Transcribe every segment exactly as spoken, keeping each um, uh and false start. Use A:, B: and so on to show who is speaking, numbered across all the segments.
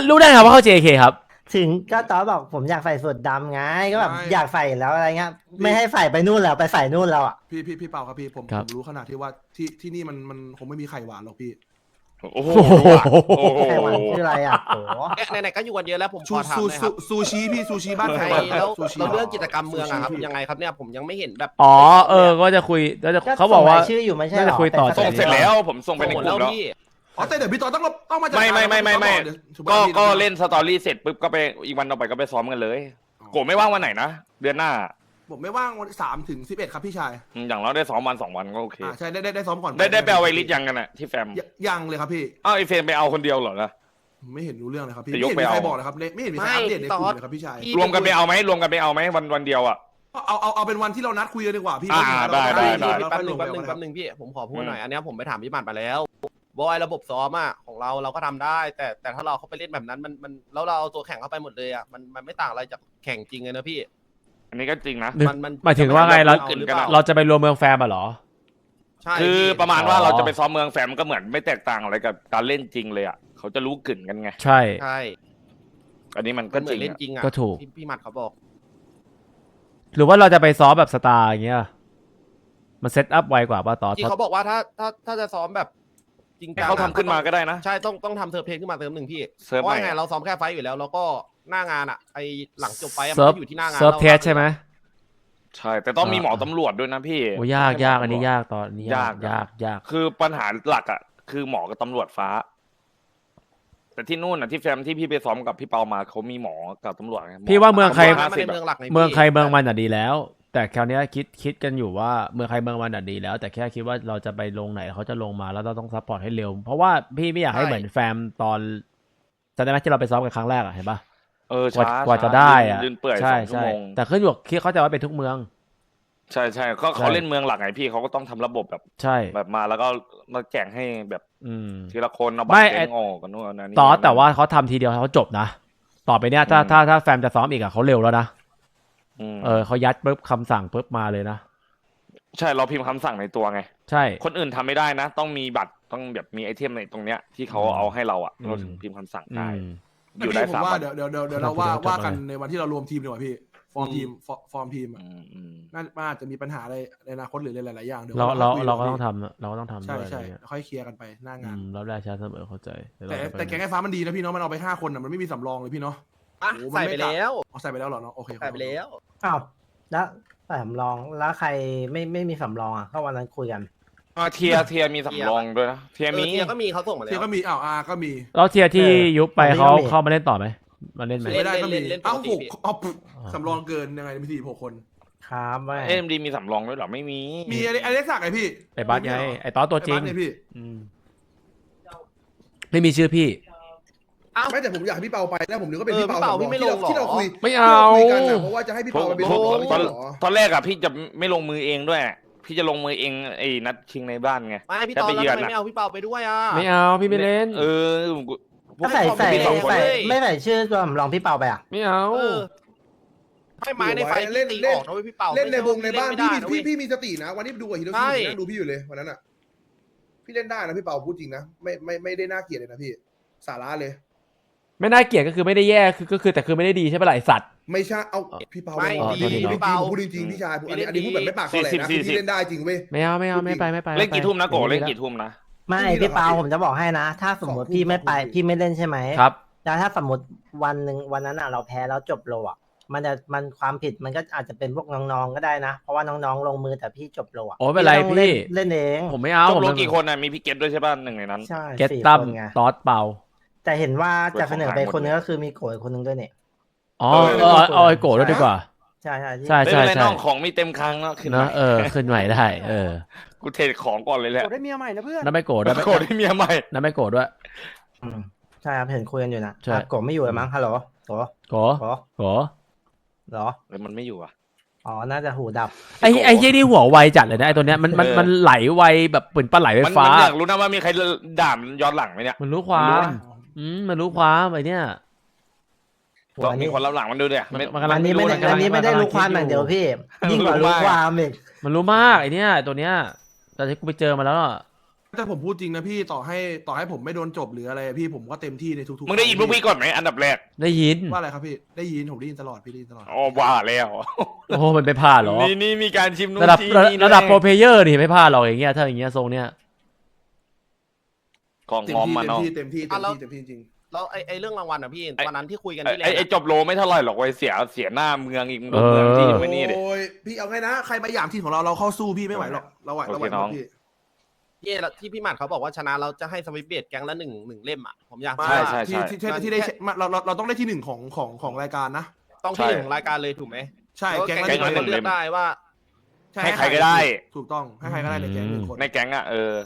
A: รู้ได้ครับว่าเขา เจ เค ครับ
B: ถึงก็ตอนบอกผมอยากใส่สูทดำไงก็แบบอยากใส่แล้วอะไรเงี้ยไม่ให้ใส่ไปนู่นแล้วไปใส่นู่นแล้วอ่ะ
C: พี่พี่พี่เปาครับพี่ผมผมรู้ขนาดที่ว่าที่ที่นี่มันมันคงไม่มีไข่หวานหรอกพี่
D: โอ้โห
B: ไข่หวานคืออะไรอ่ะโอ้
E: ไหนๆก็อยู่กันเยอะแล้วผมข
C: ซู
E: อถาม
C: ซู
E: หน่อยครับ
C: ซูชิพี่ซูชิบ้าน
E: ใช่
C: ไข่หวาน
E: แล้ว
C: ซูชิ
E: เราเรื่องกิจกรรมเมืองอะครับยังไงครับเนี่ยผมยังไม่เห็นแบบ
A: อ๋อเออก็จะคุยก็จะเขาบอกว่า
B: ชื่ออยู่ไม่ใช่หรอ
A: น่าจะคุยต่อ
D: ส่งเสร็จแล้วผมส่งไปในกลุ่มแล้ว
C: อ๋อแต่เดี๋ยวพี่ต่อต้องต้องมาจัด
D: ไม่ไม่ไม่ไม่ไม่
C: เดี๋ยว
D: ก็ก็เล่นสตอรี่เสร็จปุ๊บก็ไปอีกวันต่อไปก็ไปซ้อมกันเลยโกไม่ว่างวันไหนนะเดือนหน้า
C: ผมไม่ว่างวันสามถึงสิบเอ็ดครับพี่ชาย
D: อย่างเราได้ซ้อมวันสองวันก็โอเค
C: อ่าใช่ได้ได้ได้ซ้อมก่อน
D: ได้ได้ไปเอาไวริสยังกันอะที่แฟม
C: ยังเลยครับพี่
D: อ้าวไอเฟมไปเอาคนเดียวเหรอนะ
C: ไม่เห็นรู้เรื่องเลยครับพี่
D: จะ
C: ไม่
D: ยก
C: เห็น
D: ไป
C: มี
D: เอา
C: ใครบอกเลยครับไม่เห็นมีใครอัปเดตในกลุ่มเลยครับพี่ชาย
D: รวมกันไปเอาไหมรวมกันไปเอาไหมวันวันเดียวอะ
C: เอาเอาเอาเป็นวันที่เรานัดคุยกันดีกว่าพี่
D: อ่าได้ได้ได้
E: แป๊บนึงแป๊บนึงแป๊บนึงพี่ผมขอพูดหน่อยอันนี้ผมไปถามพี่หมัดมาแล้วบอยระบบซ้อมอะของเราเราก็ทำได้ แต่แต่ถ้าเราเข้าไปเล่นแบบนั้นมันมันแล้วเราเอาตัวแข่งเข้าไปหมดเลยอะมันมันไม่ต่างอะไรจากแข่งจริงเลยนะพี่
D: อันนี้ก็จริงนะ
A: มันมันหมายถึงว่าไงเราเราจะไปรวมเมืองแฟมอ่ะเหรอ
E: ใช่
D: คือประมาณว่าเราจะไปซ้อมเมืองแฟมก็เหมือนไม่แตกต่างอะไรกับการเล่นจริงเลยอ่ะเขาจะรู้กลิ่นกันไง
A: ใช่
E: ใช่
D: อันนี้มันก็จริง
E: เล่นจริงอ่ะ
A: ก็ถูก
E: พี่หมัดเขาบอก
A: หรือว่าเราจะไปซ้อมแบบสตาร์อย่างเงี้ยมันเซตอัพไวกว่าป่ะต่อ
E: ที่เขาบอกว่าถ้าถ้าถ้าจะซ้อมแบบจริงจัง
D: เขาทำขึ้นมาก็ได้นะ
E: ใช่ต้องต้องทำเซิร์ฟเพลงขึ้นมาเติมหนึ่งพี่
D: เพราะ
E: ว่าไงเราซ้อมแค่ไฟอยู่แล้วแล้วก็หน้างานอ่ะไอหลังจบไฟมันอยู่ที่หน้างาน
A: เซิร์ฟเทสใช่ไหม
D: ใช่แต่ต้องมีหมอตำรวจด้วยนะพี่
A: โอ้ยากยากอันนี้ยากตอนนี้ยากยากยาก
D: คือปัญหาหลักอ่ะคือหมอกับตำรวจฟ้าแต่ที่นู่นอ่ะที่แฟมที่พี่ไปซ้อมกับพี่เปามาเขามีหมอกับตำรวจ
A: พี่ว่าเมืองใคร
E: เมืองหลักเ
A: มืองใครเมืองมันอ่ะดีแล้วแต่คราวนี้คิดคิดกันอยู่ว่าเมืองใครเมืองมันอ่ะดีแล้วแต่แค่คิดว่าเราจะไปลงไหนเขาจะลงมาแล้วเราต้องซัพพอร์ตให้เร็วเพราะว่าพี่ไม่อยากให้เหมือนแฟมตอนจำได้ไหมที่เราไปซ้อมกันครั้งแรกอ่ะเห็นปะ
D: เออช้าก
A: ว่าจะได้อ่ะ
D: ใช่ใช่
A: แต่ขึ้นอยู่คิดเขาจะว่าเป็นทุกเมือง
D: ใช่ใช่เขาเขาเล่นเมืองหลักไงพี่เขาก็ต้องทำระบบแบบ
A: ใช่
D: แบบมาแล้วก็มาแจกให้แบบทีละคนเอาบัตรเองออกกันนู่นนั่นนี่
A: ต่อแต่ว่าเขาทำทีเดียวเขาจบนะต่อไปเนี้ยถ้าถ้าถ้าแฟมจะซ้อมอีกอะเขาเร็วแล้วนะเออเขายัดปุ๊บคำสั่งปุ๊บมาเลยนะ
D: ใช่เราพิมพ์คำสั่งในตัวไง
A: ใช่
D: คนอื่นทำไม่ได้นะต้องมีบัตรต้องแบบมีไอเทมในตรงเนี้ยที่เขาเอาให้เราอะเราถึงพิมพ์คำสั่งได้
C: อยู่ได้สามวันเดี๋ยวเดี๋ยวเดี๋ยวเราว่าว่ากันในวันที่เรารวมทีมดีกว่าพี่ฟอร์มทีมฟอร์มทีมน่าน่าจะมีปัญหาอะไรในอนาคตหรือหลายๆอย่างเดี๋ยว
A: เราเราเราก็ต้องทำเราก็ต้องทำ
C: ใช่ใช่ค่อยเคลียร์กันไปหน้างาน
A: เราได้ช้าเสมอเข้าใจ
C: แต่แต่แกงไอ้ฟ้ามันดีนะพี่เนาะมันเอาไปห้าคนอ่ะมันไม่มีสำรองเลยพี่เนาะ
E: ใส่ไปแล้ว
C: ใส่ไปแล้วเหรอเนาะโอเค
E: ใส่ไปแล้ว
B: อ้าวแล้วใส่สำรองแล้วใครไม่ไม่มีสำรองอ่ะก็วันนั้นคุยกัน
D: อ่าเทียเทียมีสำรองด้วยนะเทียมี
E: เทียก็มีเขาส่งมาแล้ว
C: เทียก็มีอ้าวอาก็มี
A: แล้วเทียที่ยุบไปเขาเข้ามาเล่นต่อไหมมาเล่นไหม
C: ไม่ได้ก็มีเอ้าหกเอาสำรองเกินยังไงมีสี่หกคน
B: ครับ
D: เอ็มดีมีสำรองด้วยหรอไม่มี
C: มีไอเล็กซ์สักไอพี่
A: ไอบัสไงไอต้อตัวจริง
C: พี่
A: ไม่มีชื่อพี่
C: ไม่แต่ผมอยากให้พี่เปาไปแล้วผมนึกว่าเป็นพี่เปา
E: พี่ไม่ลงหรอ
C: ที่เราคุย
A: ไม่เอา
C: เพราะว่าจะให้พี่เปาไปเป็น
D: ตอนแรกอะพี่จะไม่ลงมือเองด้วยพี่จะลงมือเองไอ้นัดชิงในบ้านไง
E: ไม่พี่เปาแล้วไม่เอาพี่เปาไปด้วยอ่ะ
A: ไม่เอาพี่ไม่เล่น
D: เออ
B: ก็ใส่ใส่ใส่ไม่ใส่ชื่อตัวสำรองพี่เปาไปอ่ะ
A: ไม่เอา
E: ให้ไม้ในไฟเล่นตีออกนะพี่เปา
C: เล่นในวงในบ้านพี่พี่พี่มีสตินะวันนี้ดูกับฮิโรชินั่งดูพี่อยู่เลยวันนั้นอ่ะพี่เล่นได้นะพี่เปาพูดจริงนะไม่ไม่ไม่ได้น่าเกลียดเลยนะพี่สาระเลย
A: ไม่น่าเกลียดก็คือไม่ได้แย่คือก็คือแต่คือไม่ได้ดีใช่ไหมล่ะไอสัตว์
C: ไม่ใช่เอาพี่เปาไม่ดีพี่เปาพูดจริงพี่ชายอันนี้อันนี้พูดแบบไม่ปากคอแหลนะพี่เล่นได้จริงเว้ย
A: ไม่เอาไม่เอาไม่ไปไม่ไป
D: เล่นกี่ทุ่มนะโกเล่นกี่ทุ่มนะ
B: ไม่พี่เปาผมจะบอกให้นะถ้าสมมติพี่ไม่ไปพี่ไม่เล่นใช่ไหม
A: ครับ
B: แล้วถ้าสมมติวันหนึ่งวันนั้นอ่ะเราแพ้แล้วจบโลอ่ะมันจะมันความผิดมันก็อาจจะเป็นพวกน้องๆก็ได้นะเพราะว่าน้องๆลงมือแต่พี่จบโลอ่ะ
A: โอ้เป็นไรพี่
B: เล่นเอง
A: ผมไม่เอา
D: จบโลกี่คนอ่ะมีพี่เกตด้วยใช่ป่ะหนึ่งในนั้น
B: ใช่
A: เกตตั้มตอสเปา
B: แต่เห็นว่าจะเสนอไปคนนึงก็คือมีโกยคนนึงด้วยเนี่ย
A: อ๋อเออเอาไอ้โกรธด้วยดีกว่า
B: ใช่ใช่
A: ใช่ใช่ใช่
D: น้องของมีเต็มครั้งแล้วขึ้น
A: นะเออขึ้นใหม่ได้เออ
D: กูเทของก่อนเลยแหละ
E: โกรธได้เมียใหม่นะเพื่อน
A: น้าไม่โกรธน้าไม่
D: โกรธได้เมียใหม่
A: น้าไม่โกรธด้วย
B: ใช่ครับเห็นคุยกันอยู่นะโกรธไม่อยู่เลยมั้งฮัลโหลโกรธ
A: โกรธโกรธ
B: เหรอ
D: เออมันไม่อยู่อ่ะ
B: อ๋อน่าจะหูดับ
A: ไอ้ไอ้ยี่นี่หัวไวจัดเลยนะไอ้ตัวเนี้ยมันมันมันไหลไวแบบปืนปลาไหลไฟฟ้า
D: มันอยากรู้นะว่ามีใครด่ามันย้อนหลังไหมเนี่ย
A: มันรู้ความอืมมันรู้ความไอ้เนี่ย
D: ต้องมีคนรับหลังมันดูเนี่ย
B: อันนี้ไม่ได้อันนี้ไม่ได้รู้ความอย่างเดียวพี่ยิ่งกว่ารู้ความอีก
A: มันรู้มากไอ้เนี่ยตัวเนี้ยแต่ที่กูไปเจอมาแล้ว
C: แต่ผมพูดจริงนะพี่ต่อให้ต่อให้ผมไม่โดนจบหรืออะไรพี่ผมก็เต็มที่ในทุกๆ
D: มึงได้ยินพวกพี่ก่อนไหมอันดับแรก
A: ได้ยิน
C: ว่าอะไรครับพี่ได้ยินผมได้ยินตลอดพี่ได้ยินตลอด
D: อ๋อว่าแล้ว
A: โอ้โหมันไปพลาดเหรอ
D: นี่นี่มีการชิมนู่น
A: ระดับ
D: ที่
A: ระ
D: นี่
A: ระดับ
D: ด้วย
A: โปรเพลเยอร์นี่ไม่พลาดหรอกอย่างเงี้ยถ้าอย่างเงี้ยทรงเนี้ย
D: ของ
C: เต็
D: พ
C: ม
D: ร้อม
C: ที่
D: มา
C: เต็ม
D: เนาะ
C: ที่เต็มที่เต็ม
E: อ่ะแล้ว
C: ที่เต็มที่จริง
E: แล้วไอ้ไอ้เรื่องรางวัลอ่ะพี่
D: ไอ้
E: วันนั้นที่คุยกัน
D: ไอ้
E: ที่แล
D: ไอ้
E: นด์
D: ไอ้
E: อะ
D: จบโลไม่เท่าไหร่หรอกไว้ยเสียเสียหน้าเมืองอีก
A: เออ
D: เมืองที่ไม่นี่ดิ
C: โอ้ยพี่เอาไงนะใครมาหยามทีมของเราเราเข้าสู้พี่ไม่ไหวหรอกเราไหวเราไหว
D: โอเคน้อง
C: พี่
E: พี่แล้วที่พี่หมัดเขาบอกว่าชนะเราจะให้สวิตเบดแก๊งละหนึ่งหนึ่งเล่มอ่ะผมอยาก
C: มา
D: ใช่
E: รู้ว่า
D: ใช่
C: ที่ที่ที่ที่ได้มาเราเราเราต้องได้ที่หนึ่งของของของรายการนะ
E: ต้องที่หนึ่งของรายการเลยถูกไหม
C: ใช่
E: แล้ว
C: แก๊ง
E: แก๊ง
C: ละ
E: ละ
C: ห
E: ห
C: นึ่
E: นึ่
C: ง
E: งเลือกได้ว่า
C: ช่
D: ให้ใครก็ได้
C: ถูกต้องให้ใครก็ได้ในแก๊งหนึ่งคน
D: ในแก๊งอ่ะเออ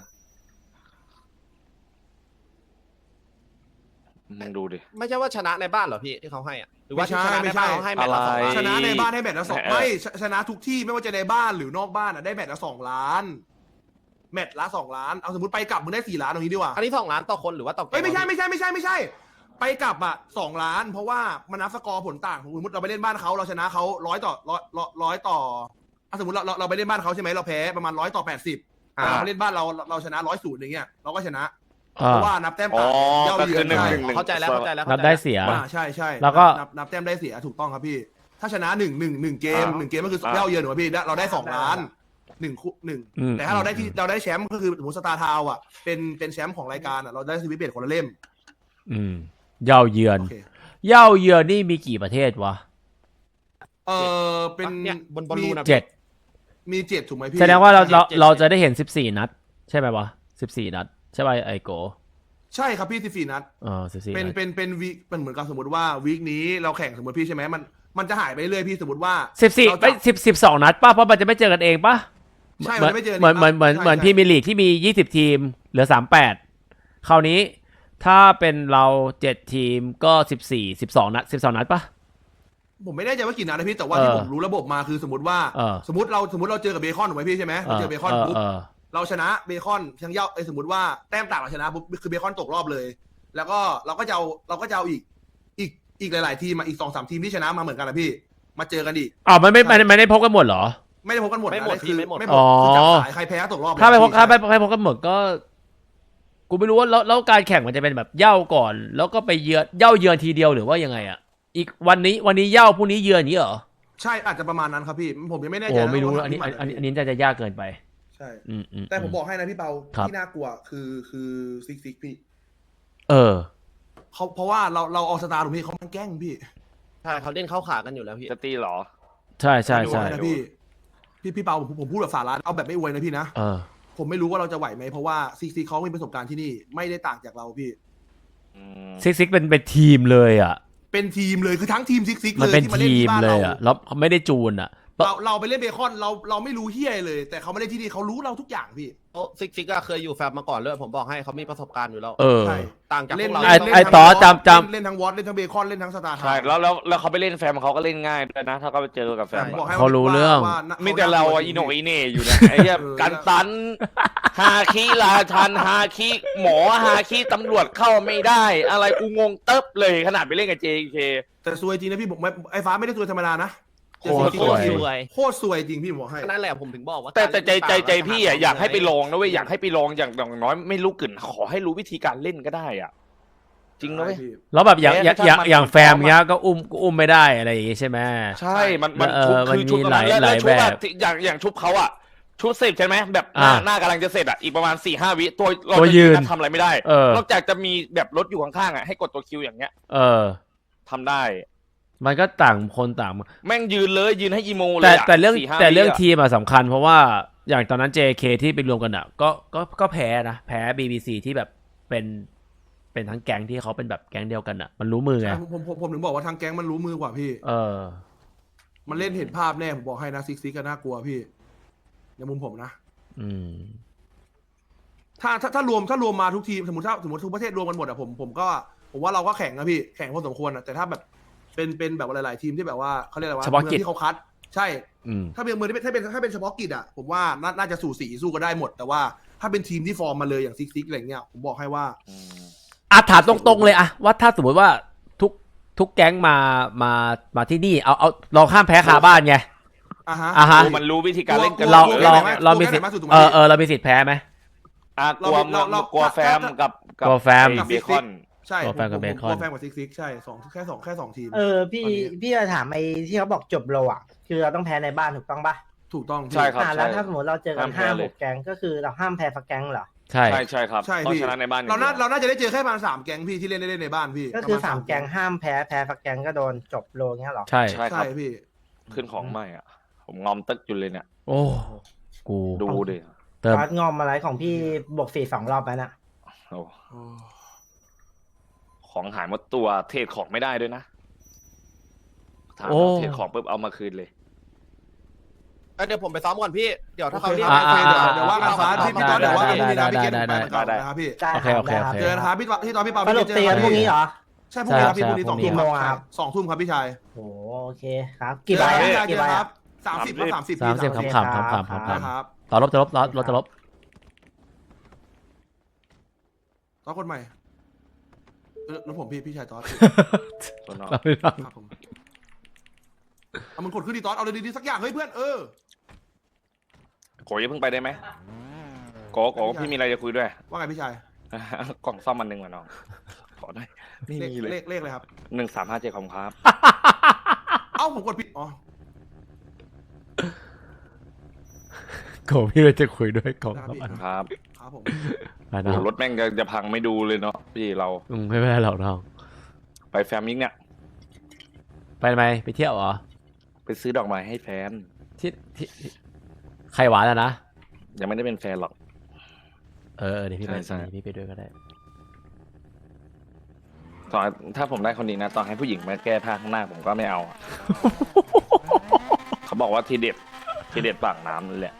D: มึงดูดิ
E: ไม่ใช่ว่าชนะในบ้านเหรอพี่ที่เขาให้อ่ะหรือว่า
C: ไม่
E: ที่
C: ใช่
E: ชนะในบ้าน
C: ไม่ใช่
E: เขาให้แมตช์ละสอง
D: อะไร
E: ล้าน
C: ชนะในบ้านให้แมตช์ละสอง
D: เออ
C: ไม่ชชนะทุกที่ไม่ว่าจะในบ้านหรือนอกบ้านอ่ะได้แมตช์ละสองล้านแมตช์ละสองล้านเอาสมมติไปกลับมึงได้สี่ล้านตรงนี้ดีกว่า
E: อันนี้สองล้านต่อคนหรือว่าต่อแก๊ง
C: เอ้ยไม่ใช่
E: วะพี่
C: ไม่ใช่ไม่ใช่ไม่ใช่ ไปกลับอ่ะสองล้าน เพราะว่ามันนับสกอร์ผลต่างสมมติเราไปเล่นบ้านเขาเราชนะเขาร้อยต่อร้อยร้อยต่ออ่ะสมมติเราเราเราไปเล่นบ้านเขาใช่ไหมเราแพ้ประมาณร้อยต่อแปดสิบ
E: อ่า
C: เราเล่นบ้านเราเราชนะร้อยศูนย์อย่างเงี้ยเราก็ชนะ
A: อ่า
C: เพราะว่านับแต้ม
D: อ๋อ
C: ต่างเย่า
D: ก็
C: เยื
D: คือ อน หนึ่ง
C: ใช่
D: หนึ่งหนึ่ง
E: เข้าใจแล้วเข้าใจแล้ว
A: นับได้เสีย
C: อ่าใช่ใช่
A: แล้วก็
C: นับนับแต้มได้เสียถูกต้องครับพี่ ถ้าชนะหนึ่งหนึ่งหนึ่งเกม
D: อ่า
C: หนึ่งเกมก็คือ
D: อ่า
C: เย่าเยือนถูกไหมพี่เราได้สองล้านหนึ่งคู่หนึ่ง
A: อืม
C: แต่ถ้าเราได้ที่เราได้แชมป์ก็คือสมมติสตาร์ทาวน์อ่ะเป็นเป็นแชมป์ของรายการอ่ะเราได้สวิตเบตคนละเล่ม
A: อืมเย่าเยือน
C: โอเค
A: เย่าเยือนนี่มีกี่ประเทศวะ
C: เออเป็น
E: เนี่ยบนบอลลูนอะ
A: เจ็ด
C: มีเจ็ดถูกไหมพี่
A: แสดงว่าเราเรา
E: เจ็ด
A: เราจะได้เห็นสิบสี่นัด ใช่ไหมวะสิบสี่นัด ใช่ไหมไอโก
C: ใช่ครับพี่สิบสี่นัด
A: เออสิบสี่
C: เป็น
A: นัด
C: เป็นเป็นวีคเป็นเหมือนกับสมมติว่าวีคนี้เราแข่งสมมติพี่ใช่ไหมมันมันจะหายไปเรื่อยพี่สมมติว่า
A: สิบสี่
C: เรา
A: ไป
C: จะ
A: สิบสิบสองนัดป่ะเพราะมันจะไม่เจอกันเองป่ะ
C: ใช่
A: เหมือน
C: มันไม่เจอกัน
A: เหมือนเหมือนเหมือน
C: ใช่
A: เหมือน
C: ใช่
A: พรีเมียร์ลีกที่มียี่สิบทีม เหลือสามแปดคราวนี้ถ้าเป็นเราเจ็ดทีมก็สิบสี่สิบสองนัดสิบสองนัดป่ะ
C: ผมไม่แน่ใจว่ากี่นัดนะพี่แต่ว่า
A: เออ
C: ที่ผมรู้ระบบมาคือสมมติว่า
A: เออ
C: สมมติเราสมมติเราเจอกับเบคอนถูกไหมพี่ใช่ไหมเราเจอเบคอนปุ๊บ
A: เออ
C: เราชนะเบคอนทั้งเย่าไอ้ยสมมติว่าแต้มต่างเราชนะปุ๊บคือเบคอนตกรอบเลย แล้วก็เราก็จะเอาเราก็จะเอาอีกอีกอีกหลาย ๆ ทีมมาอีกสองสามทีมที่ชนะมาเหมือนกันนะพี่ มาเจอกันอีก
A: อ้าวมันไม่ไม่ไม่ได้พบกันหมดเหรอ
C: ไม่ได้พบกันหมดนะ
E: ไม่หมด
C: คือ
E: พี่ไม่หมด
C: ไม่หมดคือจับสายใครแพ้ตกรอบเลย
A: ถ้าไปพบ
C: พี่
A: ถ้าไปถ้าไปพบกันหมดก็ กูไม่รู้ว่าแล้วแล้วการแข่งมันจะเป็นแบบเหย้าก่อน แล้วก็ไปเยือนเหย้าเยือนทีเดียวหรือว่ายังไงอ่ะ อีกวันนี้วันนี้เหย้าพรุ่งนี้เยือนอย่างนี้เหรอ
C: ใช่อาจจะประมาณนั้นครับพี่ผมยังไม่แน่ใจ
A: โอ้
C: นะ
A: ไม่รู้
C: ว่า
A: อันนี้
C: ที่
A: อัน
C: มา
A: อันนี้จะจะยากเกินไป
C: ใช่
A: อืมอืม
C: แต่ผมบอกให้นะพี่เปา
A: ครับ
C: ที่น่ากลัวคือคือซิกซิกพี่
A: เออ
C: เขาเพราะว่าเราเราเอาสตาร์ถูกพี่เขามันแกล้งพี่
E: ใช่เขาเล่นเข้าขากันอยู่แล้วพี่
D: จะตีเหรอ
A: ใช่ใช่ใช่
C: นะพี่พี่พี่เปาผมผมพูดแบบสาระเอาแบบไม่อวยนะพี่นะ
A: เออ
C: ผมไม่รู้ว่าเราจะไหวไหมเพราะว่าซิกซิกเขามีประสบการณ์ที่นี่ไม่ได้ต่างจากเราพี่
D: อืม
A: ซิกซิกเป็นเป็นทีมเลยอ่ะ
C: เป็นทีมเลยคือทั้งทีมซิกซิก
A: มัน
C: เลย
A: เป็น
C: ที่มาเล่น
A: ทีม
C: ที่บ้าน
A: เล
C: เรา
A: ยอ่ะแล้วไม่ได้จูนอ่ะ
C: เราเราไปเล่นเบคอนเราเราไม่รู้เฮียเลย แต่เขามาเล่นที่นี่เขารู้เราทุกอย่างพี่
E: โอ้ซิกซิกก็เคยอยู่แฟมมาก่อนเลยผมบอกให้เขามีประสบการณ์อยู่แล้ว
A: เออ
C: ใช่
E: ต่างจากพ
C: เล่น
E: วกเรา
A: ไอ้
C: เล่น
A: ไอ้
C: ทั้ง
A: ต่อ
C: วอต
A: จำจำ
C: เล่นเล่นทั้งวอตเล่นทั้งเบคอนเล่นทั้งสตาร์
D: ใช่แล้วแล้วแล้วเขาไปเล่นแฟมเขาก็เล่นง่ายด้วยนะ ถ้าเขาไปเจอกับแฟม
C: ผม
D: อะ
C: บอกให้
A: เขารู้เรื่อง
C: ว่า
D: มีแต่เราอะอีโหนกอีเหน่อยู่นะไอ้เหี้ย
C: เออ
D: กันตันฮาคิราชันฮาคิหมอฮาคิตำรวจเข้าไม่ได้ อะไรกูงงเติบเลยขนาดไปเล่นกับ เจ เค
C: แต่ซวยจริงนะพี่ผมไม่ไอ้ฟ้าไม่ได้ซวยธรรมดานะ
A: โคตร
C: จ
A: ซวย
C: ริงๆ
E: สวย
C: โคตรซวยจริงพี่ผมบอกให้
E: นั่นแหละผมถึงบอกว่า
D: แต่แต่ใจใจใจ
E: การเล่น
D: พี่อะ
E: ต่างๆ
D: อยากให้ไปลองนะเว้ย
E: ไง
D: อยากให้ไปลองอย่างอย่างน้อยไม่รู้กลิ่นขอให้รู้วิธีการเล่นก็ได้อ่ะ จริงนะเว้ย
A: แล้วแบบอย่าง
D: แม้
A: อย่าง
D: กระทั่ง
A: อย่าง
D: มัน
A: อย่างแฟม
D: ซ้อมอะ
A: เงี้ยก็อุ้มก็อุ้มไม่ได้อะไรอย่างงี้ใช่ไหม
D: ใช่มันมัน
A: เออ
D: ชุบ
A: มัน
D: คือชุบ
A: มี
D: กับ
A: หลาย
D: แล้ว
A: หลาย
D: แล้วชุบอะ
A: แบบ
D: ที่อย่างอย่างชุบเขาอะชุดเสร็จใช่ไหมแบบหน้า
A: อ่า
D: หน้ากำลังจะเสร็จอะอีกประมาณสี่ห้าวิตัวเรา
A: ตัว
D: จะ
A: ยืน
D: ทำอะไรไม่ได้
A: เออ
D: นอกจากจะมีแบบรถอยู่ข้างๆอะให้กดตัวคิวอย่างเงี้ย
A: เออ
D: ทำได้
A: มันก็ต่างคนต่าง
D: แม่งยืนเลยยืนให้อีโมเล
A: แต่
D: ยอะ
A: แต่เรื่อง
D: สี่ห้า
A: แต่เรื่อง
D: วิะ
A: ทีมอะสำคัญเพราะว่าอย่างตอนนั้น เจ เค ที่ไปรวมกันอะก็ก็ก็แพ้นะแพ้ บี บี ซี ที่แบบเป็นเป็นทั้งแก๊งที่เขาเป็นแบบแก๊งเดียวกันอะมันรู้มือไง
C: ผมผมผมผมถึงบอกว่าทางแก๊งมันรู้มือกว่าพี่
A: เออ
C: มันเล่นเห็นภาพแน่ผมบอกให้นะซิกซิกก็น่ากลัวพี่ในมุมผมนะ
A: อืม
C: ถ้าถ้าถ้ารวมถ้ารวมมาทุกทีมสมมติถ้าสมมติทุกประเทศรวมกันหมดอะผมผมก็ผมว่าเราก็แข่งนะพี่แข่งพอสมควรอะแต่ถ้าแบบเป็นเป็นแบบหลายๆทีมที่แบบว่าเขาเรียกอะไรวะ
A: เฉพาะกิจ
C: มืองที่เขาคัด ใช่
A: อืม
C: ถ้าเป็นเมืองที่เป็นถ้าเป็นถ้าเป็นเฉพาะกิจอะผมว่าน่าน่าจะสู่สีสู้ก็ได้หมด แต่ว่าถ้าเป็นทีมที่ฟอร์มมาเลยอย่างซิกซิกอะไรเงี้ยผมบอกให้ว่า
D: อืม
A: อ่ะถามตรงๆเลยอะว่าถ้าสมมติว่าทุกทุกแก๊งมามามาที่นี่เอาเอาเราข้ามแพ้คาบ้านไง
C: อ่าฮะ
A: อ่าฮะ
D: ดูมันรู้วิธีการเล่นกัน
A: เรา
C: กลัว
A: เรา
C: กลัว
A: เรา
C: กลัว
A: มีสิทธิ์
C: แพ้มากสุดถูกไหม
A: เออเออเรามีสิทธิ์แพ้ไหม
D: อ่ะกลัว
C: เราเรา
D: กลัว
C: ถ้า
D: แฟม
C: ถ้า
D: กับกั
A: กลัวแฟม
D: ไอ้เบคอน
C: ใช่
A: กลัวแฟนกับ
C: ผม
A: เบคอน
C: กลัวแฟนกับซิกซิกใช่สองแค่สองแค่สองทีม
B: เออพี่
C: ตอนนี้
B: พี่จะถามไอ้ที่เขาบอกจบโลอ่ะ คือเราต้องแพ้ในบ้านถูกต้องปะ
C: ถูกต้องพี่
D: ใช่ครับ
B: อ่าแล้วถ้าสมมติเราเจอกัน
D: ห้ามแพ้
B: ห้า
D: เล
B: ห
D: ย
B: กแก๊งก็คือเราห้ามแพ้ฟักแก๊งเหรอ
A: ใช่
D: ใช่ใช่ครับ
C: ใช่
D: ต้อง
C: พี่
D: ชนะในบ้านอย่ง
C: เราน่า
D: ดียว
C: เราน่าจะได้เจอแค่ประมาณสามแก๊งพี่ที่เล่นได้เล่นในบ้านพี่
B: ก็คือ
C: ประณ
B: สามแก๊งห้ามแพ้แพ้ฟักแก๊งก็โดนจบโลเงี้ยเหรอ
A: ใช่
D: ใช่ค
C: ใช่
D: รับ
C: พี่
D: ขึ้นของใหม่อ่ะ ผมงอมตึกอยู่เลยเนี่ย
A: โอ้กู
D: ดูดิ
A: เติม
B: ตอนงอมอะไรของพี่บวกสี่สองรอบแล้วน่ะ
D: โอ้
C: โอ้
D: ของหายหมดตัวเทรดของไม่ได้ด้วยนะถาม
A: โอ้
D: ว่าเทรดของปุ๊บเอามาคืนเลย
E: เอ้ยเดี๋ยวผมไปซ้อมก่อนพี่เดี๋ยวถ้าเขา
C: โอเค
E: เรียก
C: ครับ
A: อ่า
C: โอเคเดี๋ยว
A: อ่า
C: เดี๋ยวว่ากัน
E: อ่า
C: ฟ้าพี่พี่ตอนเดี๋ยวว่ากันพรุ่งนี้นะพี่เกณฑ์
A: ได้
C: ไป
A: ได้
C: เหมือนกัน
D: ได้
C: นะครับพี่
B: ได้
A: โอเคโอเค
B: รับ
A: โอเค
C: เจอกันครับพี่พี่ตอนพี่เปา
B: ส
C: พี่
B: รุป
C: เจอ
B: ตี
C: กั
B: กัน นพรุ่งนี้เหรอ
C: ใช่พรุ่งนี้ครับพี่
A: ใช่
C: พรุ่งนี้สอง
A: ใช่
C: ทุ่ม
B: กี่โมงอะครับ
C: สองทุ่มครับพี่ชาย
B: โอ้โอเคครับ กี่ใบ
C: เจอ
B: อะ
C: กันพี่ชายเจ
B: กี่
C: อ
B: ใบ
C: กันค
B: อะ
C: รับสามสิบครับสามสิบ
A: สามสิบ
C: พี่
A: ขำๆขำๆขำๆขำ
C: ได้ครับ
A: ๆต่อลบจะลบต่อลบจะลบ
C: ตอนคนใหม่เออแล้วผมพี่พี่ชายตอน
D: ตัวนอก
C: ครับผมเอามึงกดขึ้นดีตอนเอาเลยดีๆสักอย่างเฮ้ยเพื่อนเออ
D: โกอย่าเพิ่งไปได้ไหมโกโกพี่มีอะไรจะคุยด้วย
C: ว่าไงพี่ชาย
D: กล่องซ่อมมันหนึ่งมาน้องขอได้ไม่
C: เลข
D: มีเลย
C: เลขเลขเลยครับ
D: หนึ่งสามห้าเจ็ดของครับ
C: เอ้าผมกดผิดอ๋อ
A: โกพี่เลยจะคุยด้วยกล่อง
C: ได้
A: ครับ
C: พี่
A: อัน
D: ครับ
C: ครับผม
A: ไป
D: โอ้
A: นะ
D: โหรถแม่งจะจะพังไม่ดูเลยเนาะพี่เรา
A: อืมไม่เป็นไรหรอกน้อง
D: ไปแฟมมิงเนี่ย
A: ไปไหมไปเที่ยวเหรอ
D: ไปซื้อดอกไม้ให้แฟน
A: ที่ที่ที่ใครหวานอะนะ
D: ยังไม่ได้เป็นแฟนหรอก
A: เออเออเดี๋ยวพี่ไป
D: ใช่ใช่
A: พี่ไปด้วยก็ได้
D: ตอนถ้าผมได้คนนี้นะตอนให้ผู้หญิงมาแก้ผ้าข้างหน้าผมก็ไม่เอาอะ เขาบอกว่าทีเด็ดทีเด็ดปากน้ำนั่นแหละ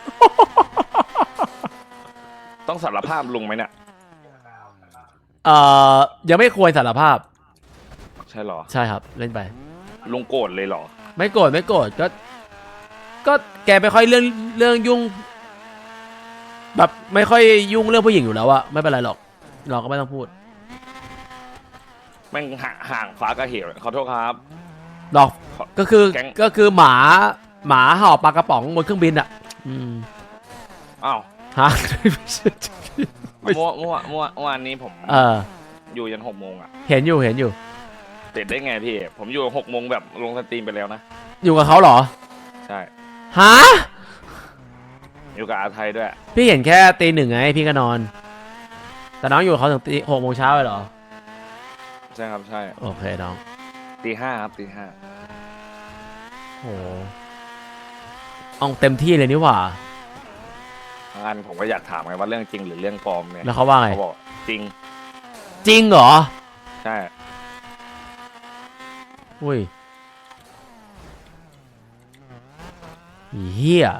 D: ต้องสารภาพลุงไหมเนี่ย
A: เอ่อยังไม่ควรสารภาพ
D: ใช่เหรอ
A: ใช่ครับเล่นไป
D: ลุงโกรธเลยเหรอ
A: ไม่โกรธไม่โกรธก็ ก็แกไม่ค่อยเรื่องเรื่องยุ่ง แบบไม่ค่อยยุ่งเรื่องผู้หญิงอยู่แล้วอะไม่เป็นไรหรอก เราก็ไม่ต้องพูด
D: แม่งห่างห่างฟ้ากับเหวขอโทษครับ
A: หรอกก็คือ
D: แก๊ง
A: ก็คือหมาหมาเห่าปลากระป๋องบนเครื่องบินอะอืม
D: อ้าว
A: ฮะ ไม่
D: เมื่อเมื่อเมื่อเมื่อวานนี้ผม
A: เออ
D: อยู่ยันหกโมงอ่ะ
A: เห็นอยู่เห็นอยู่
D: เสร็จได้ไงพี่ ผมอยู่หกโมงแบบลงสตรีมไปแล้วนะ
A: อยู่กับเขาเหรอ
D: ใช่
A: ฮะ
D: อยู่กับอาไทยด้วย
A: พี่เห็นแค่ตีหนึ่งไงพี่ก็นอน แต่น้องอยู่กับเขาถึงตีหกโมงเช้าเลยเหรอ
D: ใช่ครับใช่
A: โอเคน้อง
D: ตีห้าครับตีห้า
A: โหเอาเต็มที่เลยนี่หว่า
D: งานผมก็อยากถามไงว่าเรื่องจริงหรือเรื่องปลอมเนี่ย
A: แล้วเขาว่าไง
D: เขาบอกจริง
A: จริงเหรอ
D: ใช่
A: อุ้ยเฮีย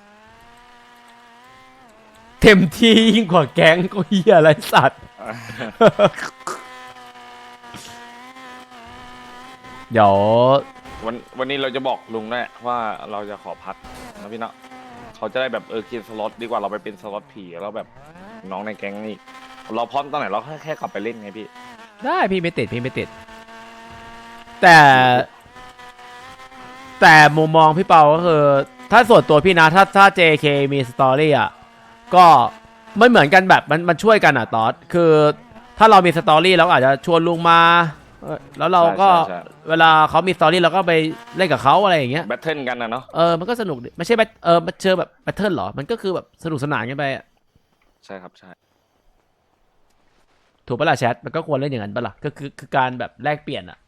A: เต็มที่ยิ่งกว่าแก๊งก็เฮียอะไรสัตว์ เดี๋ยว
D: วันวันนี้เราจะบอกลุงด้วยว่าเราจะขอพักนะพี่เนาะเขาจะได้แบบเออกินสล็อตดีกว่าเราไปเป็นสล็อตผีแล้วแบบน้องในแก๊งนี่เราพร้อมตอนไหนเราแค่แค่กลับไปเล่นไงพี่
A: ได้พี่ไม่ติดพี่ไม่ติด แต่ แต่มุมมองพี่เปาก็คือ ถ้าส่วนตัวพี่นะ ถ้าถ้า เจ เค มีสตอรี่อ่ะก็มันเหมือนกันแบบมันมันช่วยกันอ่ะตอดคือถ้าเรามีสตอรี่เราก็อาจจะชวนลุงมาเออแล้วเราก็
D: ใช่ใช่
A: เวลาเขามีสตอรี่เราก็ไปเล่นกับเขาอะไรอย่างเงี้ย
D: แบทเทิลกันนะเนาะ
A: เออมันก็สนุกดิไม่ใช่แบบเออมันเจอแบบแบทเทิลหรอมันก็คือแบบสนุกสนานกันไปอะ
D: ใช่ครับใช่
A: ถูกปะล่ะแชทมันก็ควรเล่นอย่างนั้นปะล่ะก็คือคือการแบบแลกเปลี่ยนอ่ะ